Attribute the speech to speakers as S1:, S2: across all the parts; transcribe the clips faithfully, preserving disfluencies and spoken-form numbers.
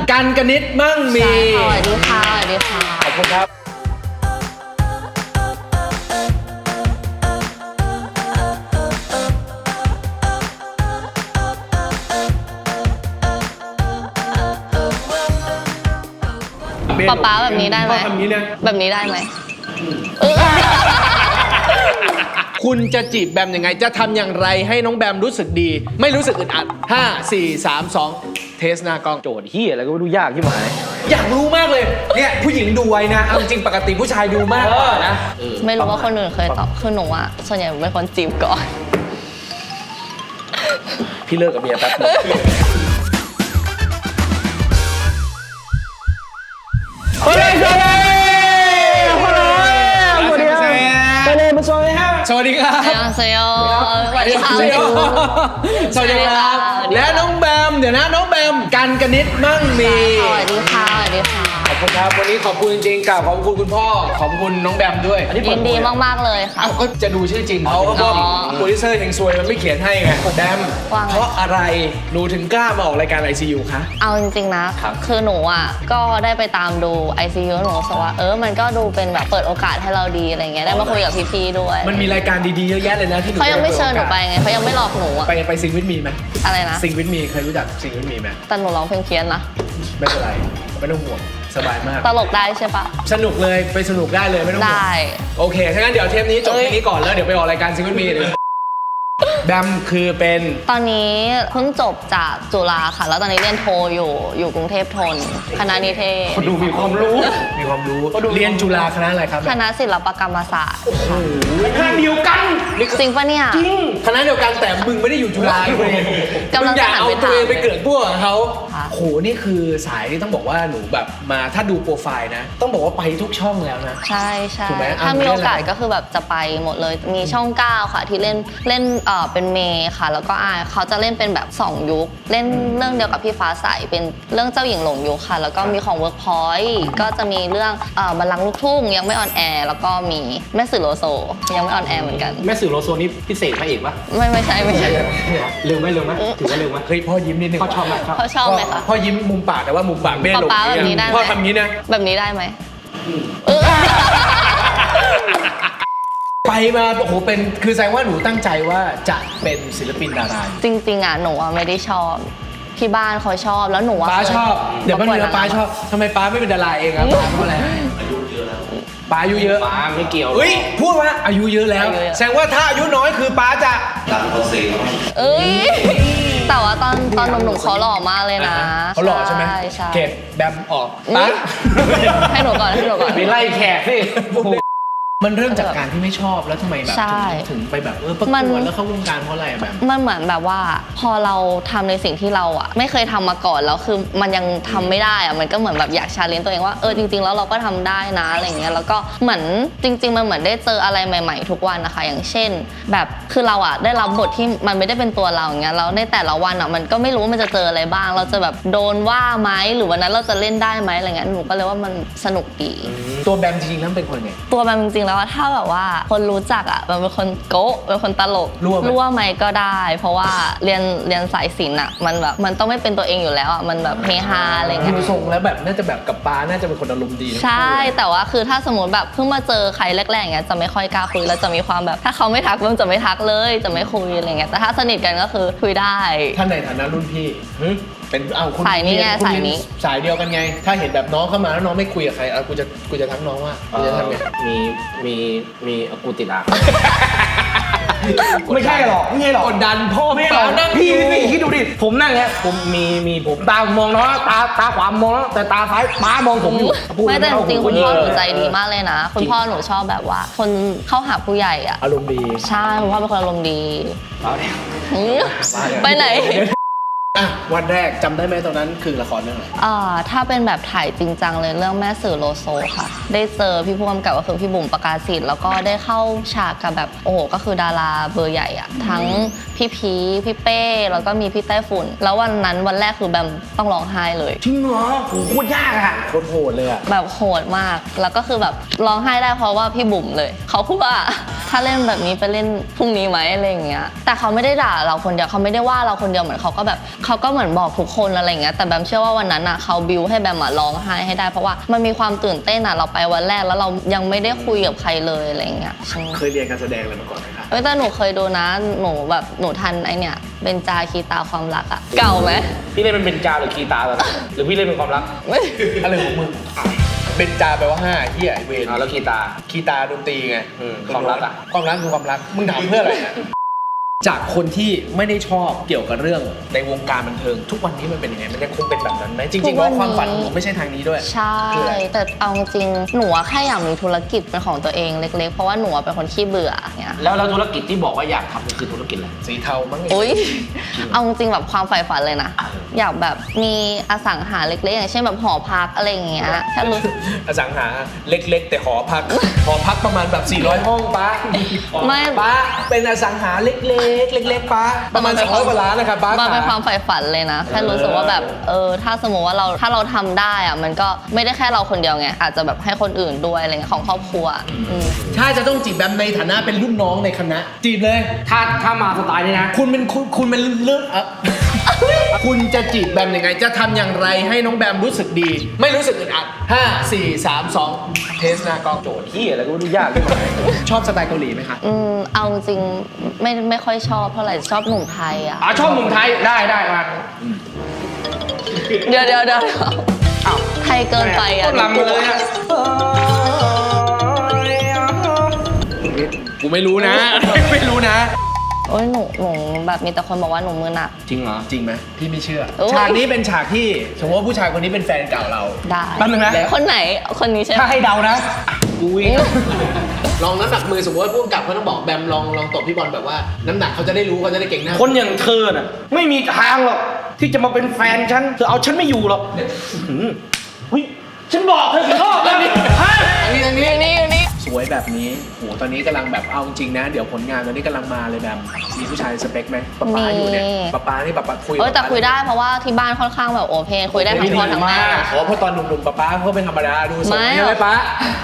S1: กันกนิษฐ์มั่งมี
S2: สวัสดีค่ะสวัสดีค่ะ
S1: ขอบคุณครับ
S2: ป๊าป๊าแบบนี้ได้ไหมแบบนี้ได้ไหม
S1: คุณจะจีบแบมยังไงจะทำอย่างไรให้น้องแบมรู้สึกดีไม่รู้สึกอึดอัดห้า สี่ สาม สองเทสหน้ากล้องโจทย์เฮียอะไรก็ไม่รู้ยากที่หมายอยากรู้มากเลยเนี่ยผู้หญิงดูไว้นะเอาจริงปกติผู้ชายดูมากกว่านะ
S2: ไม่รู้ว่าคนอื่นเคยตอบคือหนูอะส่วนใหญ่เป็นคนจีบก่อน
S1: พี่เลิกกับเมียแป๊บเฮ้ยสวัสดีสวัสดีครับไปเลยมาสวัสดีครับสวัสดีครับ
S2: สวัสดีค่ะ
S1: สวัสดีครับและน้องแบมเดี๋ยวนะน้องแบมกันกนิษฐ์มั่งมี
S2: สวัสดีค่ะสวัสดีค่ะ
S1: ขอบคุณครับวันนี้ขอบคุณจริงๆกล่าวขอบคุณคุณพ่อขอบคุณน้องแบมด้วย
S2: ยินดีมากๆเลยค่ะ
S1: ก็จะดูชื่อจริงเขาก็โปรดิวเซอร์เฮงซวยมันไม่เขียนให้ไงแบมเพราะอะไรหนูถึงกล้ามาออกรายการ ไอ ซี ยู คะ
S2: เอาจริงๆนะคือหนูอ่ะก็ได้ไปตามดู ไอ ซี ยู หนูรู้สึกว่าเออมันก็ดูเป็นแบบเปิดโอกาสให้เราดีอะไรเงี้ยได้มาคุยกับพี่ๆด้วย
S1: มันมีรายการดีๆเยอะแยะเลยนะที่
S2: เขายังไม่เชิญหนูไปไงเขายังไม่หลอกหนู
S1: ไปไปซิงวิทมีไหม
S2: อะไรนะ
S1: ซิงวิทมีเคยรู้จักซิงวิทมีไหม
S2: แต่หนูร้องเพลงเพี้ยนนะ
S1: ไม่เป็นไรไม่ต้องห่วงสบายมาก
S2: ตลกได้ใช่ปะ
S1: สนุกเลยไปสนุกได้เลยไม่ต้องห่วงได้โอเคถ้างั้นเดี๋ยวเทปนี้จบแค่นี้ก่อนแล้วเดี๋ยวไปออกรายการซิงวิทมีเลยแบมคือเป็น
S2: ตอนนี้เพิ่งจบจากจุฬาค่ะแล้วตอนนี้เรียนโทอยู่อยู่กรุงเทพธนคณะนิเทศ
S1: เขาดูมีความรู้มีความรู้เรียนจุฬาคณะอะไรครับ
S2: คณะศิลปกรรมศาสตร์
S1: คณะเดียวกัน
S2: จริงปะเนี่ย
S1: จริงคณะเดียวกันแต่มึงไม่ได้อยู่จุฬาเลย
S2: กำลังจะ
S1: เอาตัวเองไปเกิดพวกเขาโหนี่คือสายที่ต้องบอกว่าหนูแบบมาถ้าดูโปรไฟล์นะต้องบอกว่าไปทุกช่องแล้วนะ
S2: ใช่ใช่ถ้ามีโอกาสก็คือแบบจะไปหมดเลยมีช่องเก้าค่ะที่เล่นเล่นเอ่อเป็นเมย์ค่ะแล้วก็อายเขาจะเล่นเป็นแบบสองยุคเล่นเรื่องเดียวกับพี่ฟ้าใสเป็นเรื่องเจ้าหญิงหลงยุคค่ะแล้วก็มีของ Workpoint ก็จะมีเรื่องเอ่อบัลลังก์ลูกทุ่งยังไม่ออนแอร์แล้วก็มีแม่สื่อโลโซยังไม่ออนแอร์เหมือนกัน
S1: แม่สื่อโลโซนี่พิเศษพระเอกปะ
S2: ไม่ไม่ใช่ไม่ใช่
S1: เร็วไหมเร็วไหมถือว่าเร็วไหมเฮ้ยพ่อยิ้มนิดนึง
S2: พ่อชอบไหมพ่อชอบไหมคะ
S1: พ่อยิ้มมุมปากแต่ว่ามุมปากไม่หลงพ่อทำงี้นะ
S2: แบบนี้ได้ไหม
S1: ไปมาโอ้โหเป็นคือแสดงว่าหนูตั้งใจว่าจะเป็นศิลปินดารา
S2: จริงๆอ่ะหนูอ่ะไม่ได้ชอบที่บ้านเขาชอบแล้วหนูอ่ะ
S1: ป้าชอบเดี๋ยวมันเนื้อป้าชอบทำไมป้าไม่เป็นดาราเองครับป้าเพราะอะไรป้าอายุเยอะ
S3: ป้าไม่เกี่ยว
S1: เฮ้ยพูดว่าอายุเยอะแล้วแสดงว่าถ้าอายุน้อยคือป้าจะ
S3: ดังคนเสียง
S2: เอ้ยแต่ว่าตอนตอนหนุ่มๆเขาหล่อมากเลยนะ
S1: เขาหล่อใช่ไหมเก็บแบมออกป้า
S2: ให้หนูก่อนให้หนูก่อน
S1: ไปไล่แขกสิมันเริ่มจากการที่ไม่ชอบแล้วทำไมแบบถึงไปแบบเออประกวดแล้วเข้าวงการเพราะอะไรแบบ
S2: มันเหมือนแบบว่าพอเราทำในสิ่งที่เราอ่ะไม่เคยทำมาก่อนแล้วคือมันยังทำไม่ได้อ่ะมันก็เหมือนแบบอยากชาเลนจ์ตัวเองว่าเออจริงๆแล้วเราก็ทำได้นะอะไรเงี้ยแล้วก็เหมือนจริงๆมันเหมือนได้เจออะไรใหม่ๆทุกวันนะคะอย่างเช่นแบบคือเราอ่ะได้รับบทที่มันไม่ได้เป็นตัวเราอย่างเงี้ยแล้วในแต่ละวันอ่ะมันก็ไม่รู้ว่ามันจะเจออะไรบ้างเราจะแบบโดนว่าไหมหรือวันนั้นเราจะเล่นได้ไหมอะไรเงี้ยหนูก็เลยว่ามันสนุกดี
S1: ตัวแบมจริงๆแล้วเป็นคนไง
S2: ตัวแบมจริงๆแล้วถ้าแบบว่าคนรู้จักอ่ะมันเป็นคนโก๊ะเป็นคนตลกรั่วไหมก็ได้เพราะว่าเรียนเรียนสายศิลป์อ่ะมันแบบมันต้องไม่เป็นตัวเองอยู่แล้วอ่ะมันแบบเฮฮาอะไรเงี้ย
S1: ดูทรงแล้วแบบน่าจะแบบกับป้าน่าจะเป็นคนอารมณ์ดี
S2: ใช่แต่ว่าคือถ้าสมมติแบบเพิ่งมาเจอใครแรกๆอย่างเงี้ยจะไม่ค่อยกล้าคุยแล้วจะมีความแบบถ้าเขาไม่ทักมันจะไม่ทักเลยจะไม่คุยอะไรเงี้ยแต่ถ้าสนิทกันก็คือคุยได้
S1: ท่านในฐานะรุ่นพี่เป็นเอาคุณ
S2: สายนี้ไงสายนี้
S1: สายเดียวกันไงถ้าเห็นแบบน้องเข้ามาแล้วน้องไม่คุยกับใครเอากูจะกูจะทักน้องว่ากูจะทำไง
S3: มีมีมีกูติดอ่ะ
S1: ไม่ใช่หรอกไม่ใช่หรอกกดดันพ่อไม่หรอกนั่งพี่พี่คิดดูดิผมนั่งเนี้ยผมมีมีผมตามองน้องตาตาขวามองแล้วแต่ตาซ้ายป้ามองผมอยู่
S2: ไม่แต่จริงคุณพ่อหนูใจดีมากเลยนะคุณพ่อหนูชอบแบบว่าคนเข้าหาผู้ใหญ่อ่ะ
S1: อารมณ์ดี
S2: ใช่คุณพ่อเป็นคนอารมณ์ดีไปไหน
S1: วันแรกจำได้ไหมตอนนั้นคือละครเรื่องอะไร
S2: อ่าถ้าเป็นแบบถ่ายจริงจังเลยเรื่องแม่สื่อโลโซค่ะได้เจอพี่ผู้กำกับก็คือพี่บุ๋มประกาศศิษย์แล้วก็ได้เข้าฉากกับแบบโอ้โหก็คือดาราเบอร์ใหญ่อะทั้งพี่พีพี่เป้แล้วก็มีพี่ไต้ฝุ่นแล้ววันนั้นวันแรกคือแบมต้องร้องไห้เลย
S1: จริงเหรอโหโคตรยากอะโคตรโหดเลยอะ
S2: แบบโหดมากแล้วก็คือแบบร้องไห้ได้เพราะว่าพี่บุ๋มเลยเขาพูดว่าถ้าเล่นแบบนี้ไปเล่นพรุ่งนี้ไหมอะไรอย่างเงี้ยแต่เขาไม่ได้ด่าเราคนเดียวเขาไม่ได้ว่าเราคนเดียวเหมือนเขาก็แบบเขาก็เหมือนบอกทุกคนอะไรอย่างเงี้ยแต่แบมเชื่อว่าวันนั้นอ่ะเขาบิวให้แบมร้องไห้ให้ได้เพราะว่ามันมีความตื่นเต้นอ่ะเราไปวันแรกแล้วเรายังไม่ได้คุยกับใครเลยอะไรอย่างเงี้ย
S1: เคยเรียนการแสดงอะไรมาก่อนไหมคะ
S2: เอ้ยแต่หนูเคยดูนะหนูแบบหนูทันไอเนี่ยเบญจาคีตาความรักอะเก่าไหม
S3: พี่เล่นเป็นเบนจาหรือคีตาตอนนั้นหรือพี่เล่นเป็นความรัก
S2: ไม่
S1: อะไรของมึงเบนจาแปลว่าห้าเฮียไอเวน
S3: อ่าแล้วคีตา
S1: คีตาดนตรีไง
S3: อืมความรักอะ
S1: ความรักคือความรักมึงถามเพื่ออะไรอะจากคนที่ไม่ได้ชอบเกี่ยวกับเรื่องในวงการบันเทิงทุกวันนี้มันเป็นยังไงมันยังคงเป็นแบบนั้นไหมจริงๆว่าความฝันของผมไม่ใช่ทางนี้ด้วย
S2: ใช่
S1: คืออะไร
S2: แต่เอาจริงหนูอะแค่อยากมีธุรกิจเป็นของตัวเองเล็กๆเพราะว่าหนูอะเป็นคนขี้เบื่อเนี่ย
S3: แล้วแล้วธุรกิจที่บอกว่าอยากทำคือธุรกิจอะไร
S1: สีเทามั้ง
S2: อุ้ยเอาจริงแบบความใฝ่ฝันเลยนะอยากแบบมีอสังหาเล็กๆอย่างเช่นแบบหอพักอะไรอย่างเงี้ยแค่รู้สึก
S1: อสังหาเล็กๆ แต่หอพัก หอพักประมาณแบบสี่ร้อยห้องป้า
S2: ไม่
S1: ป้าเป็นอสังหาเล็กๆเล็กๆป้าประมาณสองร้อยกว่าล้านนะครับป้า
S2: มันเป็นความใฝ่ฝันเลยนะแค่รู้สึกว่าแบบเออถ้าสมมติว่าเราถ้าเราทำได้อะมันก็ไม่ได้แค่เราคนเดียวไงอาจจะแบบให้คนอื่นด้วยอะไรเงี้ยของครอบครัวอืม
S1: ถ้าจะต้องจีบแบมในฐานะเป็นรุ่นน้องในคณะจีบเลย
S3: ถ้าถ้ามาสไตล์นี้นะ
S1: คุณเป็นคุณคุณเป็นเรื่องอะคุณจะจีบแบมยังไง จะทำอย่างไรให้น้องแบมรู้สึกดี ไม่รู้สึกอึดอัดห้าสี่สามสองเทสหน้ากล้องโจทย์
S3: ที่อะไรก็ไม่รู้ยากที่ไหน
S1: ชอบสไตล์เกาหลีไหมคะ
S2: อืมเอาจริงไม่ไม่ค่อยชอบเท่าไหร่ชอบหนุ่มไทยอ่ะ
S3: อ่ะชอบหนุ่มไทยได้ได้มา
S2: เดี๋ยวเดี๋ยวเดี๋ยว
S3: อ้าว
S2: ไทยเกินไปอ่ะ
S3: ต้นลำมาเลยอะ
S1: กูไม่รู้นะ ไม่รู้นะ
S2: โอ้ยหนูหนูแบบมีแต่คนบอกว่าหนูมือหนัก
S3: จริงเหรอ
S1: จริงไหมพี่ไม่เชื่อ
S2: โอ้ย
S1: ฉากนี้เป็นฉากที่สมมติว่าผู้ชายคนนี้เป็นแฟนเก่าเรา
S2: ได้
S3: แป๊บนึงนะ
S2: คนไหนคนนี้ใช่ไหม
S3: ถ้าให้เดานะกูวิ่ง
S1: ลองน้ำหนักมือสมมติว่าผู้กำกับเขาต้องบอกแบมลองลองตบพี่บอลแบบว่าน้ำหนักเขาจะได้รู้เขาจะได้เก่งหน้า
S3: คนอย่างเธอน่ะไม่มีทางหรอกที่จะมาเป็นแฟนฉันเธอเอาฉันไม่อยู่หรอกหืมเฮ้ยฉันบอกเธอกี่รอบแล้วนี่ฮะ
S1: อันนี้อันนี้
S2: นี่นี่นี่
S1: สวยแบบนี้โหตอนนี้กำลังแบบเอาจริงนะ เดี๋ยวผลงานตอนนี้กำลังมาเลยแบบมีผู้ชายสเปคไหมป๊าป๊าอยู่เนี่ยป๊าป๊านี่ป๊าป๊าคุย
S2: เออแต่คุยได้เพราะว่าที่บ้านค่อนข้างแบบโอเพนคุยได้ทั้งพ่อทั้งแม่
S1: อ๋อเพราะตอนหนุ่มๆป๊าป๊าเขาเป็นธรรมดาดูสด
S2: ไม่
S1: ใช่ไหมป๊า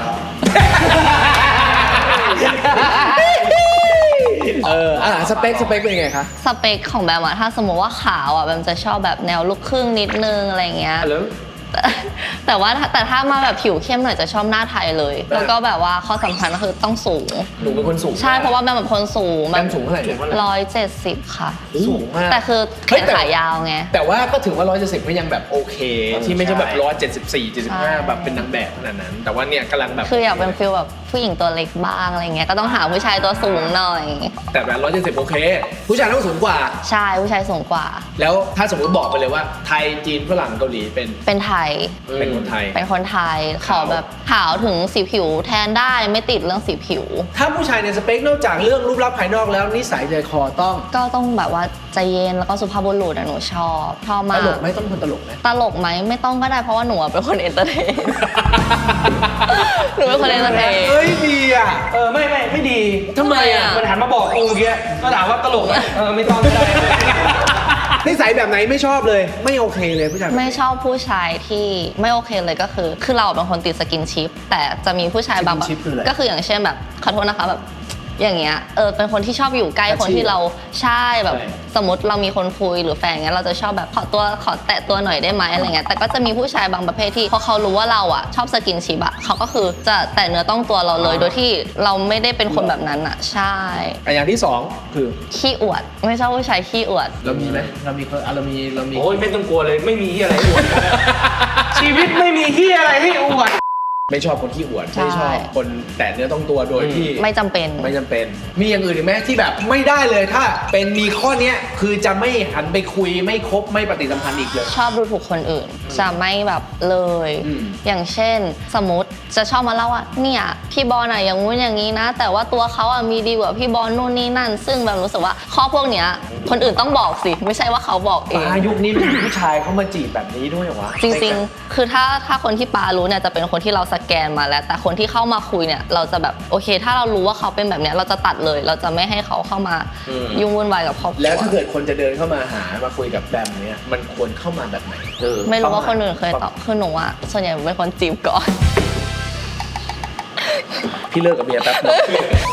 S1: เอออ่ะสเปคสเปคเป็นยังไงคะ
S2: สเปคของแบมอะถ้าสมมติว่าขาวอะแบมจะชอบแบบแนวลูกครึ่งนิดนึงอะไรเงี้ย
S3: แล้ว
S2: แต่แต่ว่าถ้าแต่ถ้ามาแบบผิวเข้มหน่อยจะชอบหน้าไทยเลย แล้วก็แบบว่าข้อสำคัญก็คือต้องสูง
S1: หนูเป็นคนสูง
S2: ใช่เพราะว่าแบมเป็นคนสูง
S1: แบมสูงเท่าไหร่เนี่ย
S2: ร้อยเจ็ดสิบค่ะ
S1: สูงมาก
S2: แต่คือแข
S1: เฮ้ย
S2: น
S1: แต่
S2: ขายาวไง
S1: แต่ว่าก็ถือว่าร้อยเจ็ดสิบก็ยังแบบโอเค ที่ไม่ใช่แบบ
S3: ใช่
S1: ร้อยเจ็ดสิบสี่เจ็ดสิบห้า
S2: ใช่
S1: แบบเป็นนางแบบขนาดนั้น แต่ว่าเนี่ยกำลังแบบ
S2: คืออยากเป็นฟิลแบบผู้หญิงตัวเล็กบ้างอะไรเงี้ยก็ต้องหาผู้ชายตัวสูงหน่อย
S1: แต่แบบร้อยเจ็ดสิบโอเค ผู้ชายต้องสูงกว่า
S2: ใช่ผู้ชายสูงกว่า
S1: แล้วถ้าสมมติบอกไปเลยว่าไทยจีนฝรั่งเกาหลีเป็น
S2: เป็นไทย
S1: เป็นคนไทย
S2: เป็นคนไทยขอแบบขาวถึงสีผิวแทนได้ไม่ติดเรื่องสีผิว
S1: ถ้าผู้ชายในสเปคนอกจากเรื่องรูปลักษณ์ภายนอกแล้วนิสัยใจคอต้อง
S2: ก็ต้องแบบว่าใจเย็นแล้วก็สุภาพบุรุษอะหนูชอบชอบ
S1: ต
S2: มาก
S1: ลกไหมต้องคนตลกไหม
S2: ตลกไหมไม่ต้องก็ได้เพราะว่าหนูอะเป็นคนเอนเตอร์เทน หนูเป็นคนเอนเตอร์เทน
S1: เฮ้ยดีอ่ะ
S3: เออไม่ไม่ไม่ดี
S1: ทำไมอ่ะ
S3: มันหันมาบอกกูเมื่อกี้ก็ถามว่าตลกไหมเออไม่ต้องก็ได้
S1: นิสัยแบบไหนไม่ชอบเลย ไม่โอเคเลยผู้ชายแบบ
S2: ไม่ชอบผู้ชายที่ไม่โอเคเลยก็คือ คือเราเป็นคนติดสกินชิป แต่จะมีผู้ชายบางแบบ
S1: สกินชิปคืออะไร
S2: ก็คืออย่างเช่นแบบขอโทษนะคะแบบอย่างเงี้ยเออเป็นคนที่ชอบอยู่ใกล้
S1: อาชีพ
S2: คนที่เราใช่แบบ
S1: ใช่
S2: สมมติเรามีคนคุยหรือแฟนเงี้ยเราจะชอบแบบขอตัวขอแตะตัวหน่อยได้ไหมอะไรเงี้ยแต่ก็จะมีผู้ชายบางประเภทที่พอเขารู้ว่าเราอ่ะชอบสกินชิปอ่ะเขาก็คือจะแตะเนื้อต้องตัวเราเลย โดยที่เราไม่ได้เป็นคนแบบนั้นอ่ะใช่
S1: อ่ะอย่างที่สองคือ
S2: ขี้อวด ไม่ชอบผู้ชายขี้อวด
S1: เรามีไหมเรามีอ่ะเรามีเรามี
S3: โอ้ยไม่ต้องกลัวเลยไม่มีที่อะไรให้อวด ชีวิตไม่มีที่อะไรให้อวด
S1: ไม่ชอบคนขี้อวด
S2: ใช่
S1: ไม่ชอบคนแตะเนื้อต้องตัวโดยที่
S2: ไม่จำเป็น
S1: ไม่จำเป็น มีอย่างอื่นอีกไหมที่แบบไม่ได้เลยถ้าเป็นมีข้อเนี้ยคือจะไม่หันไปคุยไม่คบไม่ปฏิสัมพันธ์อีกเลย
S2: ชอบดูถูกคนอื่น จะไม่แบบเลย
S1: อืม
S2: อย่างเช่น สมมติจะชอบมาเล่าว่าเนี่ยพี่บอลอะอย่างงู้นอย่างนี้นะ แต่ว่าตัวเขาอะมีดีกว่าพี่บอลนู่นนี่นั่น ซึ่งแบบรู้สึกว่าข้อพวกเนี้ยคนอื่นต้องบอกสิ ไม่ใช่ว่าเขาบอกเอง
S1: ปายุคนี้มีผู้ชายเขามาจีบแบบนี้ด้วยเหรอวะ
S2: จริงๆ คือถ้าถ้าคนที่ปารู้เนี่ยจะเป็นคนที่เราสแกนมาแล้ว แต่คนที่เข้ามาคุยเนี่ยเราจะแบบโอเค ถ้าเรารู้ว่าเขาเป็นแบบเนี้ยเราจะตัดเลย เราจะไม่ให้เขาเข้ามา
S3: อืม
S2: ยุ่งวุ่นวายกับครอบครัว
S1: แล้วถ้าเกิดคนจะเดินเข้ามาหามาคุยกับแบมเนี่ยมันควรเข้ามาแบบไหน
S3: เออ
S2: ไม่รู้ว่าคนอื่นเคยตอบคือหนูอะส่วนใหญ่เป็นคนจีบก่อน
S1: พี่เลิกกับเมียแป๊บนึง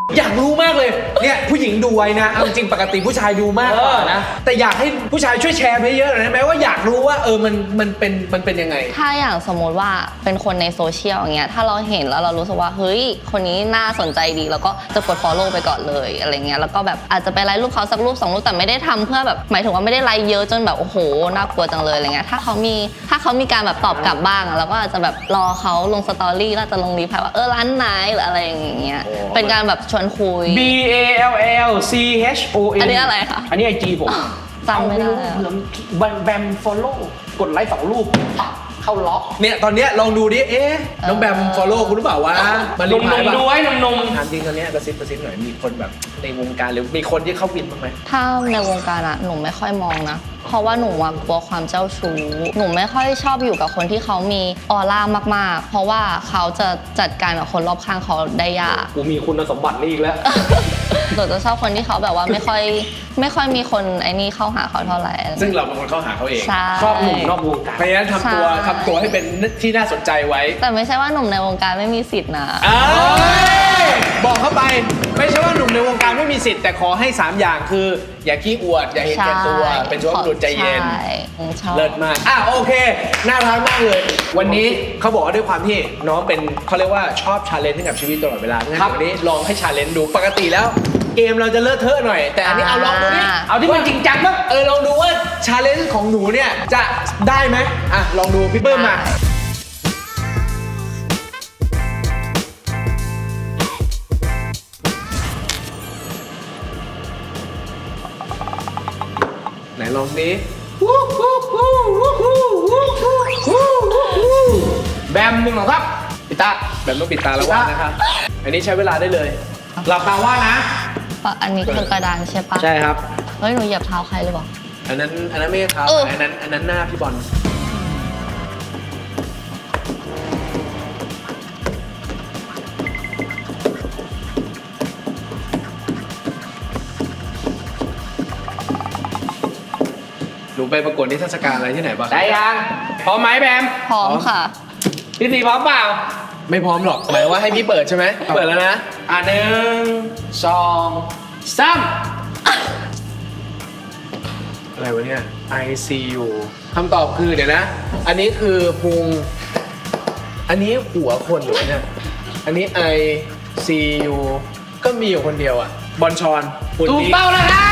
S1: อยากรู้มากเลยเนี่ยผู้หญิงดูไว้นะเอาจริงปกติผู้ชายดูมากกว่านะแต่อยากให้ผู้ชายช่วยแชร์ไปเยอะหน่อยได้ไหมว่าอยากรู้ว่าเออมันมันเป็นมันเป็นยังไง
S2: ถ้าอย่างสมมติว่าเป็นคนในโซเชียลอย่างเงี้ยถ้าเราเห็นแล้วเรารู้สึกว่าเฮ้ยคนนี้น่าสนใจดีแล้วก็จะกด follow ไปก่อนเลยอะไรเงี้ยแล้วก็แบบอาจจะไปไลค์รูปเขาสักรูปสองรูปแต่ไม่ได้ทำเพื่อแบบหมายถึงว่าไม่ได้ไลค์เยอะจนแบบโอ้โหน่ากลัวจังเลยอะไรเงี้ยถ้าเขามีถ้าเขามีการแบบตอบกลับบ้างเราก็อาจจะแบบรอเขาลงสตอรี่แล้วจะลงรีพลายว่าเออร้านไหนหรืออะไรอย่างเงี้ยเป็นการแบบชวนคุย
S3: B A L L C H O N
S2: อันนี้อะไรคะ
S3: อันนี้ไอจีผม
S2: จำไม่ได้
S3: เผื่อแบมแบม follow กดไลค์สองรูปปั๊บเข้าล็อก
S1: เนี่ยตอนเนี้ยลองดูดิเอ๊ะน้องแบม follow คุณหรือเปล่าวะมา
S3: ห
S1: รี
S3: นุ่ม
S1: พลาย
S3: ๆ
S1: ป่ะ
S3: ดูไว้หนุ่ม
S1: ถามจริงตอนเนี้ยกระซิบกระซิบหน่อยมีคนแบบในวงการหรือมีคนที่เข้าวินบ้างไหม
S2: ถ้าในวงการอะหนูไม่ค่อยมองนะ เพราะว่าหนูอะกลัวความเจ้าชู้ หนูไม่ค่อยชอบอยู่กับคนที่เขามีออร่ามากๆ เพราะว่าเขาจะจัดการกับคนรอบข้างเขาได้ยาก
S3: ๆกูมีคุณสมบัตินี่อีกแล้ว
S2: หนูจะชอบคนที่เขาแบบว่าไม่ค่อยไม่ค่อยมีคนไอ้นี่เข้าหาเขาเท่าไหร่
S1: ซึ่งเราเป็นคนเข้าหาเขาเอง
S2: ใช่
S3: ชอบหนุ่มนอกวงการ
S1: เพราะฉะนั้นทำตัว
S2: ใช่
S1: ทำตัวให้เป็นที่น่าสนใจไว้
S2: แต่ไม่ใช่ว่าหนุ่มในวงการไม่มีสิทธินะ
S1: อ้ยบอกเข้าไปไม่ใช่ว่าหนุ่มในวงการไม่มีสิทธิ์แต่ขอให้สามอย่างคือ อย่าขี้อวด อย่าเห็นแก่ตัว เป็นสุภาพบุรุษใจเย็น
S2: ใช่ชอบ
S1: เลิศมากอ่ะโอเค น่ารักมากเลย วันนี้เขาบอกว่าด้วยความที่น้องเป็นเขาเรียกว่าชอบชาเลนจ์ให้กับชีวิตตลอดเวลางั้น
S3: ครับ
S1: วันนี้ลองให้ชาเลนจ์ดูปกติแล้ว เกมเราจะเลอะเทอะหน่อย แต่อันนี้เอาลองดูนี่
S2: อ่า
S3: เอาที่มันจริงจังมั้ง
S1: เออลองดูว่าชาเลนจ์ของหนูเนี่ยจะได้ไหมอ่ะลองดูพี่เปิ้ลมา ไหนลองดิ
S3: แบมหนึ่งเหรอครับพี่ตา
S1: แบบต้องปิดตาแล้วว่านะครับ อันนี้ใช้เวลาได้เลย
S3: หลับตาว่านะ
S2: เพราะอันนี้คือกระดานใช่ปะ
S3: ใช่ครับ
S2: เฮ้ยหนูเหยียบเท้าใครหรือเปล่า
S1: อันนั้นอันนั้นไม่ใช่เท้า
S2: เออ
S1: อันนั้นอันนั้นหน้าพี่บอล หนูไปประกวดนิทรรศการอะไรที่ไหนบ้าง
S3: ได้ยังพร้อมไหมแบม
S2: พร้อมค่ะ
S3: พี่สีพร้อมเปล่า
S1: ไม่พร้อมหรอก หมายว่าให้พี่เปิดใช่ไหม เปิดแล้วนะ
S3: อ่ะหนึ่งสองสาม
S1: อะไรวะเนี่ย I C U คำตอบคือเดี๋ยวนะ อันนี้คือพุง อันนี้หัวคนหรือวะเนี่ย อันนี้ I C U ก็มีอยู่คนเดียวอ่ะ บอลชอนหุ่น
S3: ถูก
S1: นี้
S3: เป้าแล้วครับ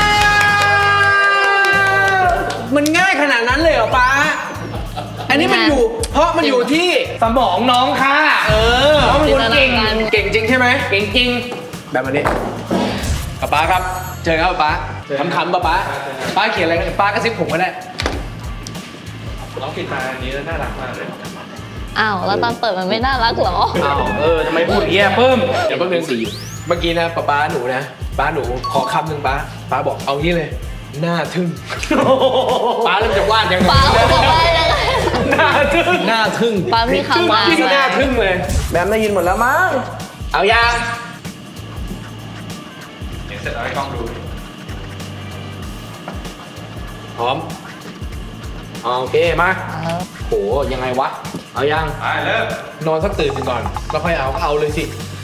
S1: มันง่ายขนาดนั้นเลยเหรอป้า อันนี้มันอยู่ เพราะมันอยู่ที่
S3: สมองน้องค่ะ
S1: เออ
S3: น้องเป็นคนเก่ง
S1: เก่งจริงใช่ไหม
S3: เก่งจริง
S1: แบบอันนี้ป้าป๊าครับ เจอครับป้าขำๆป้าป๊าป้าเขียนอะไรกันป้ากระซิบผมก็ได้
S4: น้องปิดตาอันนี้แล้วน่ารักมากเลย
S2: อ้าวแล้วตอนเปิดมันไม่น่ารักเหรอ
S3: อ้าวเออทำไมพูดอย่างเงี้ยเพิ่ม
S1: เดี๋ยวแป๊บนึงสิเมื่อกี้นะป้าป้าหนูนะป้าหนูขอคำหนึ่งป้าป้าบอกเอางี้เลย หน้าทึ่งป้าเริ่มจะวาดยังไง
S2: ป้าบอกว่ายังไง
S3: หน้าทึ่ง
S1: หน้าทึ่ง
S2: ป้ามีคำ
S1: ป้า
S2: มา
S1: ที่หน้าทึ่งเลย
S3: แบมได้ยินหมดแล้วมั้งเอายัง
S4: เห็นเสร็จแล้วให้กล้องดู
S1: พร้อม
S3: โอเคมา
S2: เออ
S3: โหยังไงวะเอายัง
S4: ไปเริ่ม
S1: นอนสักตื่นหนึ่งก่อนแล้วค่อยเอาก็เอาเลยสิ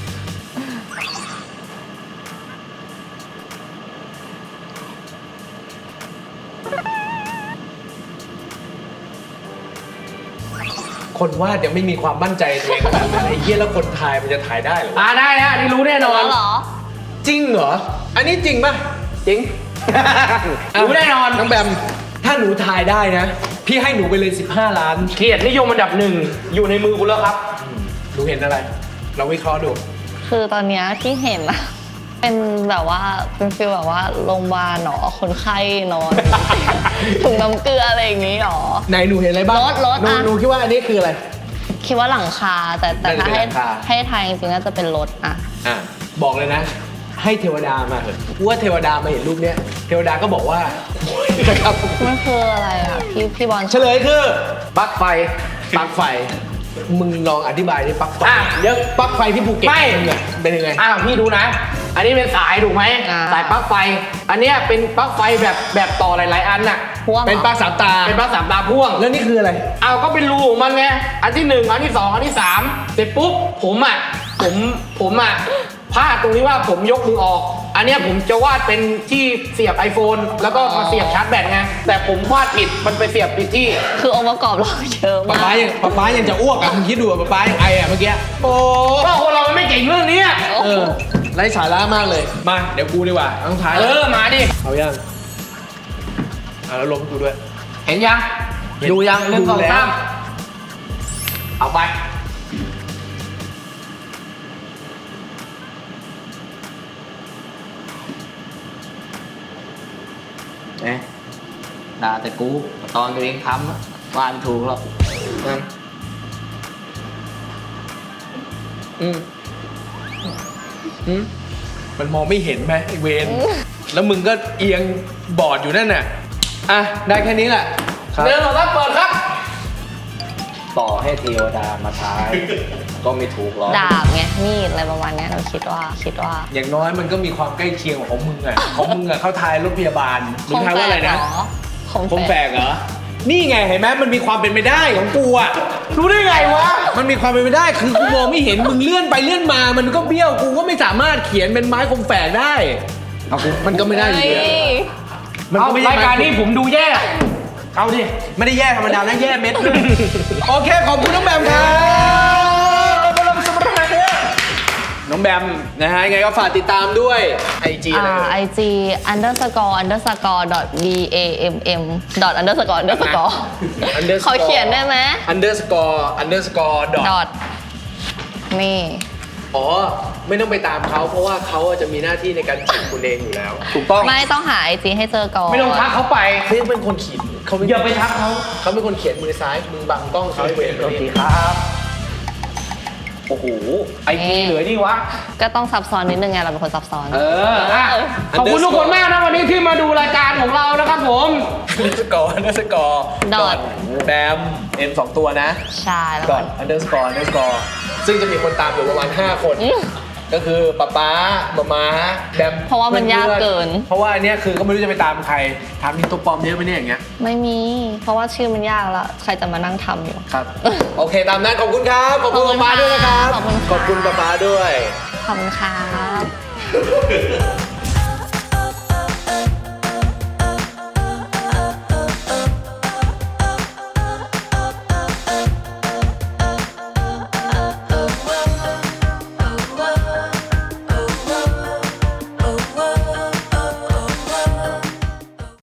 S1: คนวาดยังไม่มีความมั่นใจตัวเองขนาดนั้นไอ้เหี้ยแล้วคนถ่ายมันจะถ่ายได้เหรอวะ
S3: อ่าได้ฮะนี่รู้แน่นอน
S2: แล้วเหรอ
S1: จริงเหรอ อันนี้จริงป่ะ
S3: จริง รู้แน่นอน
S1: น้องแบม ถ้าหนูถ่ายได้นะ พี่ให้หนูไปเลยสิบห้าล้าน
S3: เกียรตินิยมอันดับหนึ่งอยู่ในมือคุณแล้วครับ
S1: หนูเห็นอะไร เราวิเคราะห์ดู
S2: คือตอนเนี้ยที่เห็นอะเป็นแบบว่าเป็นฟีลแบบว่าโรงพยาบาลหนอคนไข้นอน ถุงน้ำเกลืออะไรอย่างงี้หรอ
S1: ไหนหนูเห็นอะไรบ้าง
S2: รถรถ
S1: หนู
S2: อะ
S1: หนูคิดว่าอันนี้คืออะไร
S2: คิดว่าหลังคาแต่แต่ถ้า
S1: น่าจะเป็น
S2: ให้
S1: หลังคา ให้
S2: ให้ทายจริงๆน่าจะเป็นรถอะ
S1: อ่ะ บอกเลยนะ ให้เทวดามาเถอะว่าเทวดามาเห็นรูปเนี้ย เทวดาก็บอกว่า นะครับ
S2: มันคืออะไรอะพี่พี่บอล
S1: เฉลยคือ
S3: ปลั๊กไฟ
S1: ปลั๊กไฟ มึงลองอธิบายดิปลั๊กไฟ
S3: อ่ะเดี๋ยว
S1: ปลั๊กไฟที่ภูเก็ต
S3: ไม่
S1: มึงอะเป็นยังไง
S3: อ้าวพี่ดูนะ อันนี้เป็นสายถูกไหม
S2: อ่า
S3: สายปลั๊กไฟ อันเนี้ยเป็นปลั๊กไฟแบบแบบต่อหลาย ๆ อันน่ะ
S2: พ่วงหรอ
S1: เป็นปลั๊กสามตา
S3: เป็นปลั๊กสามตาพ่วง
S1: แล้วนี่คืออะไร
S3: เอาก็เป็นรูของมันไง อันที่หนึ่งอันที่สองอันที่สามเสร็จปุ๊บผมอ่ะ ผมผมอ่ะพลาดตรงที่ว่าผมยกมือออก อันเนี้ยผมจะวาดเป็นที่เสียบ iPhone แล้วก็มาเสียบชาร์จแบตไงแต่ผมวาดผิดมันไปเสียบผิดที่
S2: คือองค์ประกอบเราเยอะ
S1: ป๊าป๊าม
S2: าก
S1: ยังป๊าป๊ายังจะอ้วกอ่ะมึงคิดดูอ่ะป๊าป๊ายังไออ่ะเมื่อกี้
S3: โอ้ก็คนเรามันไม่เก่งเรื่องนี้อะ
S1: เออไร้สาระมากเลยมาเดี๋ยวกูดีกว่าต้องท้าย
S3: เออมาดิ
S1: เอายังเอาแล้วลงให้กูด้วย
S3: เห็นยัง
S1: เห็น
S3: ดูยังหนึ่งสอง
S1: ดูแล้ว
S3: สามเอาไป เอ๊ะด่าแต่กูตอนตัวเองทำอะวาดไม่ถูกหรอกนั่น
S1: อืมอืมมันมองไม่เห็นไหมไอเวนแล้วมึงก็เอียงบอร์ดอยู่นั่นน่ะอ่ะได้แค่นี้แหละ
S3: เรื่องของรับเปิดครับ ต่อให้เทวดามาทาย ก็ไม่ถูกหรอก
S2: ดาบไงมีดอะไรประมาณเนี้ยเราคิดว่าคิดว่า
S1: อย่างน้อยมันก็มีความใกล้เคียงของมึงอ่ะ ของมึงอ่ะเข้าทายรถพยาบาลมึงทายว่าอะไรนะ
S2: คม
S1: คมแฝกเหรอ นี่ไงเห็นไหมมันมีความเป็นไปได้ของกูอ่ะ
S3: รู้ได้ไงวะ
S1: มันมีความเป็นไปได้คือกูมองไม่เห็นมึงเลื่อนไปเลื่อนมา มันก็เบี้ยวกูก็ไม่สามารถเขียนเป็นไม้คมแฝกได้เอากูมันก็ไม่ได้อยู่ดีอะมัน
S3: เอา
S1: ก็ไม่ใช่
S3: ราย
S1: ไม้
S3: การนี้ผมดูแย่ เอาดิ
S1: ไม่ได้แย่ธรรมดานะแย่เม็ดด้วยโอเคขอบคุณน้องแบมครับน้องแบมนะฮะยังไงก็ฝากติดตามด้วยไอจีอะไร
S2: อ่า
S1: เอ่ย
S2: ไอจี underscore underscore dot b a m m dot underscore underscore
S1: underscore
S2: ขอเขียนได้ไหม
S1: underscore underscore dot
S2: dot นี่
S1: อ๋อ ไม่ต้องไปตามเขาเพราะว่าเขาจะมีหน้าที่ในการจีบคุณเองอยู่แล้ว ถูกต้อง
S2: ไม่ต้องหาไอจีให้เจอก่อน
S3: ไม่ต้องทักเขาไป
S1: เขาเป็นคนเขียนเขา
S3: อย่าไปทักเขา
S1: เขาเป็นคนเขียนมือซ้ายมือบังกล้องเขาให้เวร
S3: โอเคครับ โอ้โห ไอพีเหลือนี่วะ
S2: ก็ต้องซับซ้อนนิดนึงไงเราเป็นคนซับซ้อน
S3: เอออ่ะขอบคุณทุกคนมากนะวันนี้ที่มาดูรายการของเรานะครับผม
S1: underscore underscore
S2: dot
S1: แบม m สองตัวนะ
S2: ใช่แล้ว
S1: dot underscore underscore ซึ่งจะมีคนตามอยู่ประมาณห้าคน
S2: อืม
S1: ก็คือป๊าป๊ามาม้าแบม
S2: เพราะว่ามันยากเกิน
S1: เพราะว่าอันเนี้ยคือก็ไม่รู้จะไปตามใครถามมีตัวปลอมเยอะไหมเนี่ยอย่างเงี้ย
S2: ไม่มี เพราะว่าชื่อมันยากแล้ว ใครจะมานั่งทำอยู่
S1: ครับ โอเคตามนั้นขอบคุณครับ ขอบคุณ
S2: ขอบคุณ
S1: ป๊าป๊าด้วยนะครับ
S2: ขอบคุณค่ะ
S1: ขอบคุณป๊าป๊าด้วย
S2: ขอบคุณครับ